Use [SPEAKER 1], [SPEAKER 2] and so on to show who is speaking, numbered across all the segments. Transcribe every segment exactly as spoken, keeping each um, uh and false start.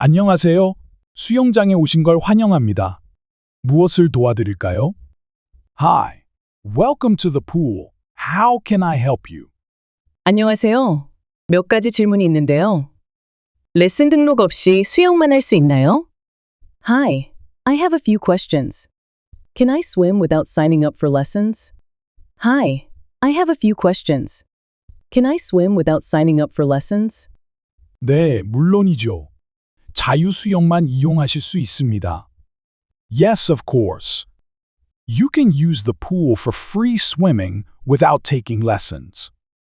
[SPEAKER 1] 안녕하세요. 수영장에 오신 걸 환영합니다. 무엇을 도와드릴까요? Hi. Welcome to the pool. How can I help you?
[SPEAKER 2] 안녕하세요. 몇 가지 질문이 있는데요. 레슨 등록 없이 수영만 할 수 있나요? Hi, I have a few questions. Can I swim without signing up for lessons? Hi, I have a few questions. Can I swim without signing up for lessons?
[SPEAKER 1] 네, 물론이죠. 자유수영만 이용하실 수 있습니다. Yes, of course. You can use the pool for free swimming without taking lessons.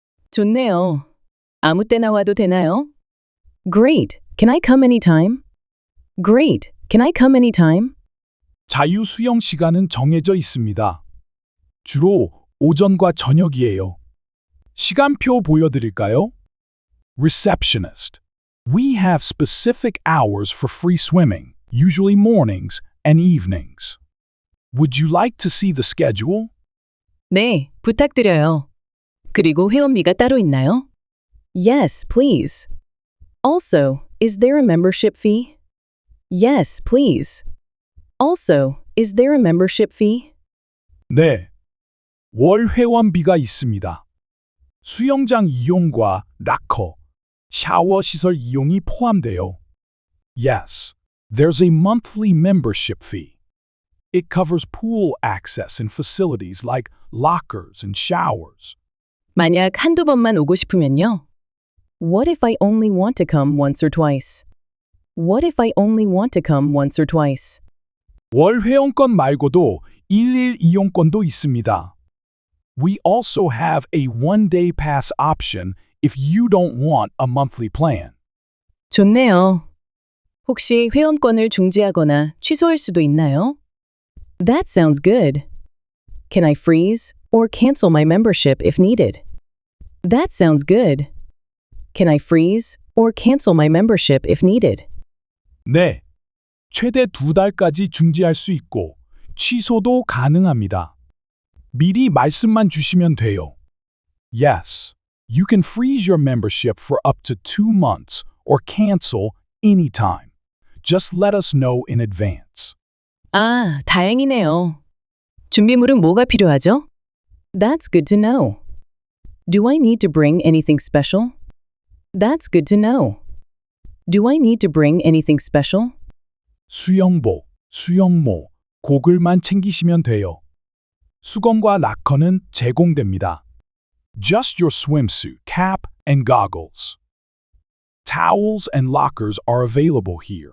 [SPEAKER 2] 좋네요. 아무 때나 와도 되나요? Great. Can I come anytime? Great. Can I come anytime?
[SPEAKER 1] 자유수영 시간은 정해져 있습니다. 주로 오전과 저녁이에요. 시간표 보여드릴까요? Receptionist. We have specific hours for free swimming, usually mornings and evenings. Would you like to see the schedule?
[SPEAKER 2] 네, 부탁드려요. 그리고 회원비가 따로 있나요? Yes, please. Also, is there a membership fee? Yes, please. Also, is there a membership fee?
[SPEAKER 1] 네. 월 회원비가 있습니다. 수영장 이용과 락커, 샤워 시설 이용이 포함돼요. Yes, there's a monthly membership fee. It covers pool access and facilities like lockers and showers.
[SPEAKER 2] 만약 한두 번만 오고 싶으면요. What if I only want to come once or twice? What if I only want to come once or twice?
[SPEAKER 1] 월 회원권 말고도 일일 이용권도 있습니다. We also have a one-day pass option if you don't want a monthly plan.
[SPEAKER 2] 좋네요. 혹시 회원권을 중지하거나 취소할 수도 있나요? That sounds good. Can I freeze or cancel my membership if needed? That sounds good. Can I freeze or cancel my membership if needed?
[SPEAKER 1] 네. 최대 두 달까지 중지할 수 있고 취소도 가능합니다. 미리 말씀만 주시면 돼요. Yes, you can freeze your membership for up to two months or cancel anytime. Just let us know in advance.
[SPEAKER 2] 아, 다행이네요. 준비물은 뭐가 필요하죠? That's good to know. Do I need to bring anything special? That's good to know. Do I need to bring anything special?
[SPEAKER 1] 수영복, 수영모, 고글만 챙기시면 돼요. 수건과 락커는 제공됩니다. Just your swimsuit, cap, and goggles. Towels and lockers are available here.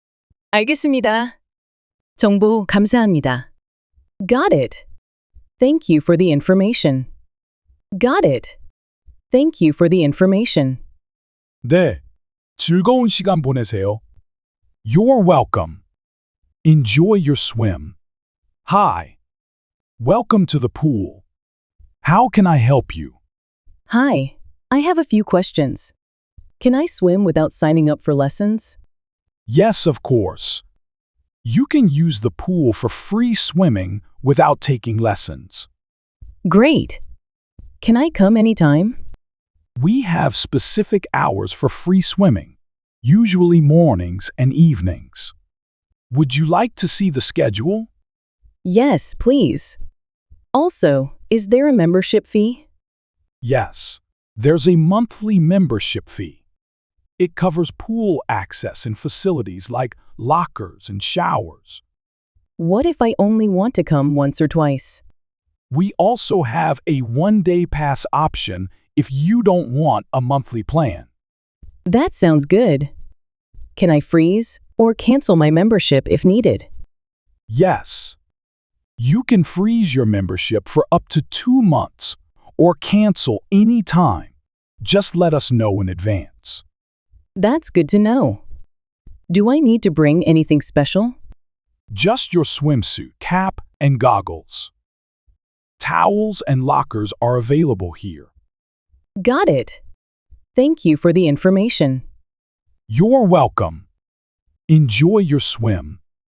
[SPEAKER 2] 알겠습니다. 정보 감사합니다. Got it. Thank you for the information. Got it. Thank you for the information.
[SPEAKER 1] 네, 즐거운 시간 보내세요. You're welcome. Enjoy your swim. Hi. Welcome to the pool. How can I help you?
[SPEAKER 2] Hi, I have a few questions. Can I swim without signing up for lessons?
[SPEAKER 1] Yes, of course. You can use the pool for free swimming without taking lessons.
[SPEAKER 2] Great. Can I come anytime?
[SPEAKER 1] We have specific hours for free swimming, usually mornings and evenings. Would you like to see the schedule?
[SPEAKER 2] Yes, please. Also, is there a membership fee?
[SPEAKER 1] Yes, there's a monthly membership fee. It covers pool access and facilities like lockers and showers.
[SPEAKER 2] What if I only want to come once or twice?
[SPEAKER 1] We also have a one-day pass option if you don't want a monthly plan.
[SPEAKER 2] That sounds good. Can I freeze or cancel my membership if needed?
[SPEAKER 1] Yes. You can freeze your membership for up to two months or cancel any time. Just let us know in advance.
[SPEAKER 2] That's good to know. Do I need to bring anything special?
[SPEAKER 1] Just your swimsuit, cap, and goggles. Towels and lockers are available here.
[SPEAKER 2] Got it. Thank you for the information.
[SPEAKER 1] You're welcome. Enjoy your swim.